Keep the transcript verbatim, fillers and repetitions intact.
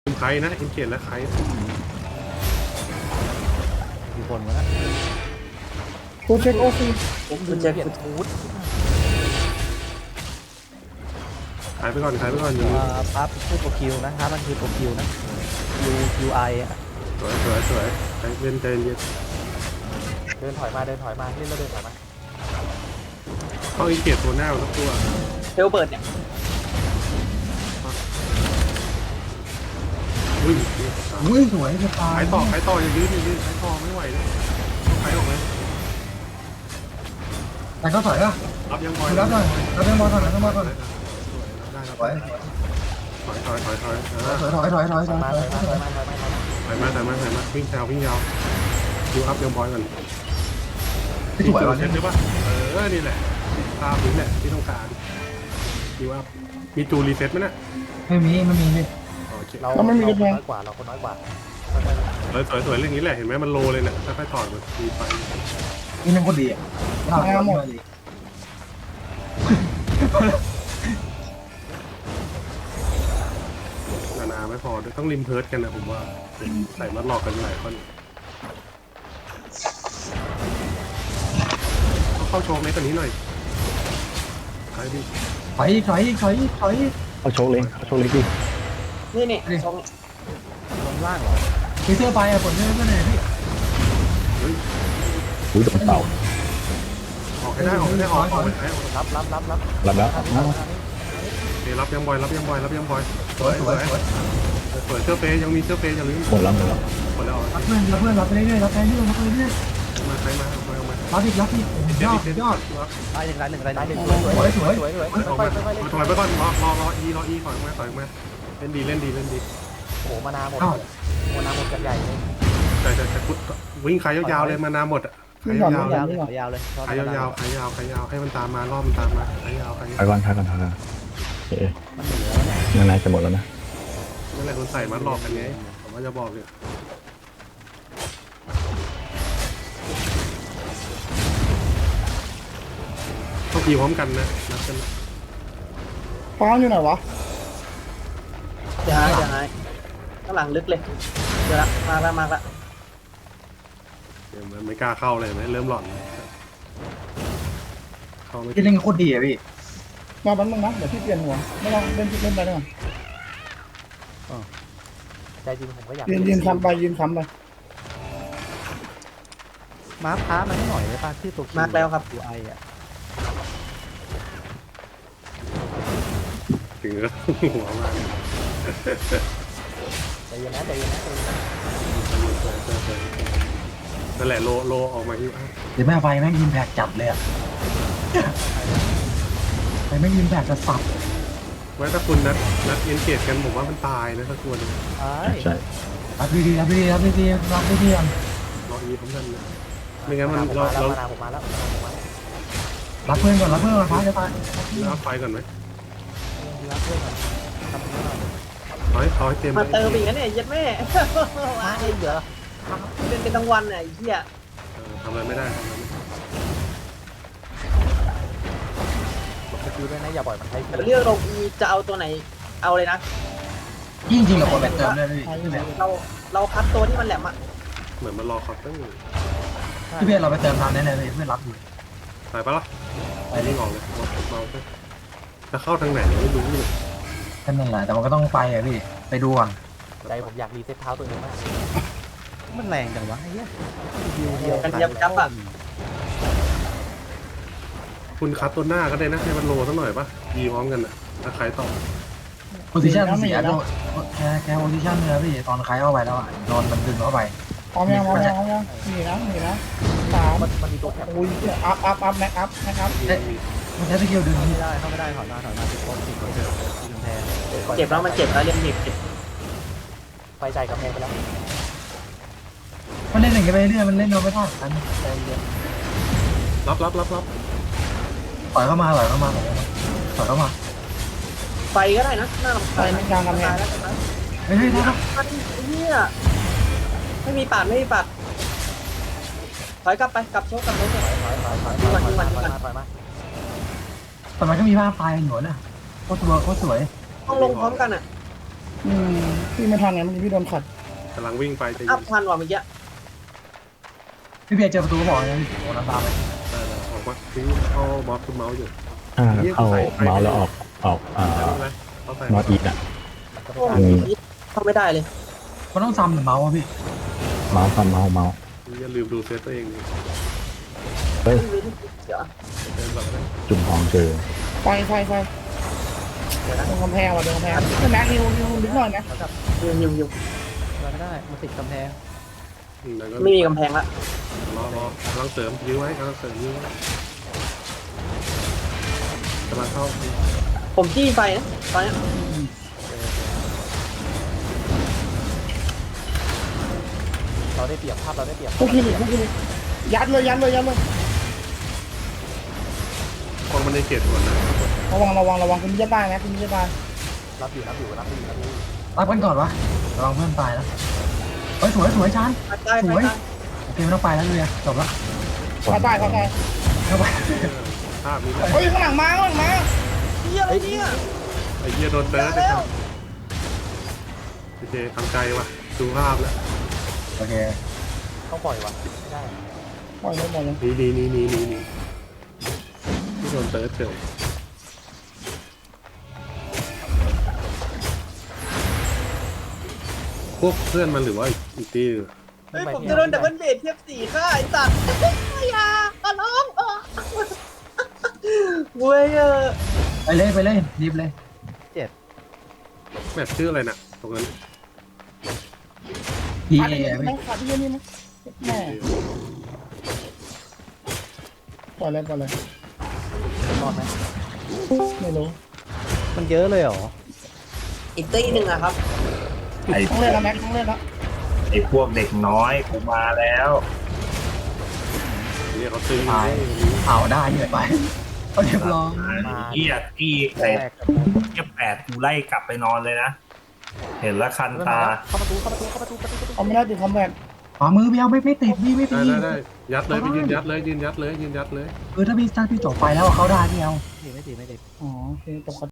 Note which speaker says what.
Speaker 1: เป็นใครนะเอ็นเกตและใคร
Speaker 2: กี่คนวะนะ
Speaker 3: กูเช็คโอซี
Speaker 2: ผมดูเจ็บฟูด
Speaker 1: หายไปก่อนหายไปก่อนอยู่
Speaker 2: ปั๊บคือโปรคิวนะครับมันคือโปรคิวนะ U Q I อ่ะ
Speaker 1: สวยสวยสวยใจเย็นใจเย็น
Speaker 2: เดินถอยมาเดินถอยมาเล่นแล้วเดินถอยมา
Speaker 1: ต้องเอ็นเกตตัวหน้าทั้งตัว
Speaker 2: เทลเบิร์ดเนี่ย
Speaker 1: อุ้ย
Speaker 3: อุ้ยสวยจะตาย
Speaker 1: ขายต่อขายต่ออย่ายืดอย่ายืดขายต่อไม่ไหวแล้วขายออกเลย
Speaker 3: แต่ก็ถอยอ่ะ
Speaker 1: รับยังบอย
Speaker 3: รับหน่อยรับยังบอลก่อนรับยังบอลก่อน
Speaker 1: ได้ครับถอยถอยถอยถอยถอย
Speaker 3: ถอยถอยถอยถอยถอยถอย
Speaker 2: มาถอยมาถอยมาถอยมา
Speaker 1: ถอยมาถอยมาถอยมาวิ่งยาววิ่งยาวดูอัพยังบอยก่อน
Speaker 3: ที่สวยวันนี้
Speaker 1: เห็นปะเออนี่แหละภาพนี้แหละที่ต้องการดูอัพมีจูรีเซ็ตไหมเนี่ย
Speaker 3: ไม่มีไม่มีเลย
Speaker 2: เราเราคนน้อยกว่าเราคนน้อยกว่า
Speaker 1: สวยสวยสวยเรื่องนี้แหละเห็นไหมมันโลเลยเนี่ยถ้าค่อยถอดมันดีไป
Speaker 3: นี่นั่งก็ดีอ่ะทำหมด
Speaker 1: นานาไม่พอต้องริมเพิร์ดกันนะผมว่าใส่มาหลอกกันหลายคนเข้าโชว์เมตตัวนี้หน่อยใครดิ
Speaker 3: ถอยถอยถอยถอย
Speaker 4: เอาโชว์เล็กเอาโชว์เล็กดิ
Speaker 2: นี่นี่ตรงลงล่างเหรอ
Speaker 3: มีเสื้อไปอ่ะผลเสื้อก็เลยพี่
Speaker 1: เฮ้ย
Speaker 4: อุ้ยโดนเต่า
Speaker 1: ออกให้ได้ออกให้ได้ออกออกให้
Speaker 2: รับรับรับรับ
Speaker 4: รับแล้ว
Speaker 1: เฮ้รับยังบอยรับยังบอยรับยังบอยสวยสวยสวยเสื้อเปย์ยังมีเสื้อเปย์อย่าลืม
Speaker 4: หมดแล้วหมดแล้ว
Speaker 1: หมดแล้ว
Speaker 3: รับเพื่อนรับเพื่อนรับไปเรื่อยรับไปเรื่อยรับไปเรื่อย
Speaker 1: มาใครมาเอาไปเอามา
Speaker 3: รับอีกรับอีกยอดยอด
Speaker 2: ได้หนึ่งได้หนึ่งได้หนึ่ง
Speaker 3: สวยสวย
Speaker 2: สวยสวย
Speaker 1: ถอยถอยไปก่อนรอรอรออีรออีถอยมาถอยมาเล่นดีเล่นดีเล่นดี
Speaker 2: โอ้มานาหมดมานาหมดกันใหญ่เลย
Speaker 1: แต่แต่แต่วิ่งขายยาวๆเลยมานาหมดอ่ะขายยาวๆ
Speaker 2: ยาวเลยยาวเลย
Speaker 1: ขายยาวๆขายยาวขายยาวให้มันตามมาล่อมันตามมาขายยาวขายยาว
Speaker 4: ไปก่อนไปก่อนไปก่อนเอ๊ะนั่นนายจะหมดแล้วนะ
Speaker 1: นั่นแหละคนใส่มาหลอกกันไงผมว่าจะบอกเลยต้องตีพร้อมกันนะนับกัน
Speaker 3: ฟ้าอยู่ไหนวะ
Speaker 2: จะหายจะหายข้างหลังลึกเลยเดี๋ยวละมาละมาละ
Speaker 1: เดี๋ยวมันไม่กล้าเข้าเลยไหมเริ่มหลอนเข้าไม่
Speaker 3: ที่เล่นโคตรดีอ่ะพี่มาบันมึงนะเดี๋ยวพี่เปลี่ยนหัวไม่ลองเล่นเล่นไปได้ไหม
Speaker 2: ใจจริงผมก็อยาก
Speaker 3: ยืนยืนซ้ำไปยืนซ้ำไป
Speaker 2: มาร์คค้ามาให้หน่อยได้ป่ะชื่อตัวมาร์คแล้วครับตัวไออ่ะ
Speaker 1: ถึงแล้วหัวมา
Speaker 2: ใจเย็นนะใจเย็นนะใจเย็นนะ
Speaker 1: นั่นแหละโลโลออกมาที่
Speaker 3: เดี๋ยวแม่ไฟแม่งยินแผกจับเลยอ่ะไฟแม่งยินแผกจะสับ
Speaker 1: ไว้ถ้าคุณนัดนัดเอ็นเกจกันผมว่ามันตายนะถ้าควร
Speaker 4: ใช่
Speaker 3: รับดีดีรับดีรับดีรับดีก่อน
Speaker 1: รออีพร้อมกันนะไม่งั้นมันเราเรา
Speaker 2: ผมมาแล้ว
Speaker 3: รับเพื่อนก่อนรับเพื่อนก่อนฟ้าจะตาย
Speaker 1: รับไฟก่อนไหม
Speaker 2: รับเพื่อนก่อนทำเพื่อนก่อน
Speaker 1: เอาให้เอาให้เต็ม
Speaker 2: มาเติมอีกนะเนี่ยยัดแม่ว้าเหรอเป็นเป็นทั้งวันเนี่ยไอ้เหี้ย
Speaker 1: ทำอะไรไม่ได้ทำอะไรไม่ได้
Speaker 2: สกิลด้วยนะอย่าปล่อยมันใช้เลือกลงอีจะเอาตัวไหนเอาเลยนะ
Speaker 3: ยิ่งจริงกับคนแบบเติมเลยพี่
Speaker 2: เราเราคัดตัวที่มันแหลมอ่ะ
Speaker 1: เหมือนมันรอคัตตั้ง
Speaker 3: พี่เพื่อนเราไปเติมทันแน่ๆเลยเพื่อนรับอยู่
Speaker 1: ไปปะล่ะไปนี่ออกเลยเมาจะเข้าทางไหนไม่รู้เลย
Speaker 3: แค่นั้นแหละแต่มันก็ต้องไปอ่ะพี่ไปดูก่อน
Speaker 2: ใจผมอยากรีเซ็ตเท้าตัวเองมากมันแรงจังวะไอ้เหี้ยเดียวกันยับยับอ่ะ
Speaker 1: คุณคัดตัวหน้าก็ได้นะให้มันโลสักหน่อยปะยีพร้อมกันอ่ะถ้าใครต่อ
Speaker 3: โพซิชั่นเสียโดนแค่แค่โพซิชั่นเนี่ยพี่ตอนใครเข้าไปแล้วอ่ะโดนมันดึงเข้าไปพร้อมยังพร้อมยังพร้อมยังมีนะมีนะสาม
Speaker 2: มันมันมีตัวแข็ง
Speaker 3: อุ้ยอัพอัพอัพแม็กอัพนะครับมันใช้สกิลดึง
Speaker 2: ไม่ได้เข้าไม่ได้ถอนมาถอนมาติดโค้งติดโค้งแทนเจ็บแล้วมันเจ็บแล้วเรียนเจ็บไฟใจกับแพงไปแล้ว
Speaker 3: มันเล่นอย่างเงี้ยไปเรื่อยมันเล่นเราไม่ได้อัน
Speaker 1: รับรับรับรับ
Speaker 3: ปล่อยเข้ามาปล่อยเข้ามาปล่อยเข้ามา
Speaker 2: ไฟก็ได้นะหน้าไฟ
Speaker 3: ไม่กลางกันแพงเฮ้ยนะ
Speaker 2: มันเนี่ยไม่มีปาดไม่มีปาดถอยกลับไปกลับโชกกลับโชกถอยถอยถอยถอยถอยมาถอยมาถอยมา
Speaker 3: แต่มันก็มีบ้าไฟหนวดน่ะโคตรสวยโคตรสวย
Speaker 2: ต้องลงพร้อมกันอ่ะ
Speaker 3: อืมพี่
Speaker 5: พี่ไม่ทันไงเมื่อกี้พี่โดนขัด
Speaker 1: กำลังวิ่งไปจะ
Speaker 2: อั
Speaker 1: ยิ
Speaker 2: พ
Speaker 1: ง
Speaker 2: ทันว่ะเมื่อกี้
Speaker 3: พี่เบียร์เจอประตูบอกเลยพี่โอ้น้ำตาไป
Speaker 1: เออออกมาทิ้งเอาบอสขึ้นเมาส์อยู่
Speaker 4: อ่าเข้าเมาส์แล้วออกออกอ่า
Speaker 1: ใช่ไหมเขาใส่
Speaker 4: นอตอีทอ่ะ
Speaker 2: โอ้ยเข้าไม่ได้เลย
Speaker 3: มันต้องซ้ำหรือเมาส์อะพี่
Speaker 4: เมาส์ซ้ำเมาส์เมาส์
Speaker 1: อย่าลืมดูเซตตัวเองดิ
Speaker 4: เฮ้ย
Speaker 2: เดี๋ยว
Speaker 1: เดินแบบนั้น
Speaker 4: จุ่มทองเจอ
Speaker 5: ไฟไฟไฟตรงกำแพงว่ะตรงกำแพงแม็กฮิวฮิวนิดหน่อยนะ
Speaker 2: ยิงยิงยิง
Speaker 6: ไม่ได้มันติดกำแพง
Speaker 1: อืแล้วก็
Speaker 2: ไม่มีกำแพงละ
Speaker 1: รอรอกำลังเสริมยื้อไว้กำลังเสริมยื้อไว้กำลังเข้า
Speaker 2: ผมจี้ไฟนะตอนนี้
Speaker 6: เราได้เปรียบภาพเราได้เปรียบ
Speaker 5: พวกคลินิกพวกคลินิกยัดเลยยัดเลยยัดเลย
Speaker 1: พอมันในเขตส่วนนะ
Speaker 5: ระวังระวังระวังคุณจะตายนะคุณจะตาย
Speaker 6: รับอยู่รับอยู่รับอยู่รับอยู่
Speaker 3: รับกันก่อนวะระวังเพื่อนตายนะเฮ้ยสวยสวยชาน
Speaker 2: ได้
Speaker 3: ส
Speaker 2: ไป
Speaker 3: วย
Speaker 2: ได้
Speaker 3: โอเคไม่ต้องไปแล้วเลยจบแล้ว
Speaker 5: เขาตายเขาตาย
Speaker 3: เข้าไป
Speaker 1: ภาพนี้
Speaker 5: เฮ้ยข้างหลังมาข้างหลังมา
Speaker 2: เฮียอะไรเนี่ย
Speaker 1: ไอ้เหี้ยโดนเติร์ดไปครับโอเคทำใจว่ะดูภาพแล้ว
Speaker 3: โอเค
Speaker 6: ต้องปล่อยวะไม่ได้
Speaker 5: ปล่อยเลยปล่อยเลย
Speaker 1: นี่นี่นี่นี่นี่นี่ที่โดนเติร์ดเกิดพวกเพื่อนมันหรือว่าอีกที
Speaker 2: เฮ้ยผมจะโดนดับเบิลเบดเทียบสี่ค่าไอ้สัตว์อย่าขอร้องเว้ยเออ
Speaker 3: ไปเลยไปเลยรีบเลย
Speaker 1: แบบชื่ออะไรน่ะตรงนั้น
Speaker 3: พี
Speaker 5: ขาด
Speaker 3: เอ
Speaker 5: ที่นี่
Speaker 3: พี่
Speaker 5: ไหมขาดที่นี่ไหมแม่ปล่อยเลยปล่อยเลย
Speaker 6: รอดไหม
Speaker 5: ไม่รู้
Speaker 6: มันเยอะเลยเหรอ
Speaker 2: อีกตีหนึ่งอะครับ
Speaker 7: ไอ้
Speaker 5: ต้องเล่นแล้วแม็กต้องเล่นแล้ว
Speaker 7: ไอ้พวกเด็กน้อยกูมาแล้ว
Speaker 1: นี่เขาซื้อ
Speaker 3: ตายเผาได้เหนื่อยไปเอาเรียบร้อย
Speaker 7: เกียดที่
Speaker 6: แต
Speaker 7: แต่
Speaker 6: ก
Speaker 7: เกียบแปดกูไล่กลับไปนอนเลยนะ เห็นแล้วคันตา
Speaker 6: เข้าประตูเข้าประตูเข้าประตูประตูประตู
Speaker 5: เอาไม่ได้ติดคอมแบท
Speaker 3: ขวามือพี่เอาไม่ไม่ติดพี่ไม่
Speaker 1: ได้
Speaker 3: ตี
Speaker 1: ได้ได้ยัดเลยไปยืนยัดเลยยืนยัดเลยยืนยัดเลย
Speaker 3: คือถ้าพี่ถ้าพี่จบไปแล้วเขาได้พี่เอา
Speaker 6: ไม่ติดไม่ติดไม่ติด
Speaker 5: อ๋อโอเคจบ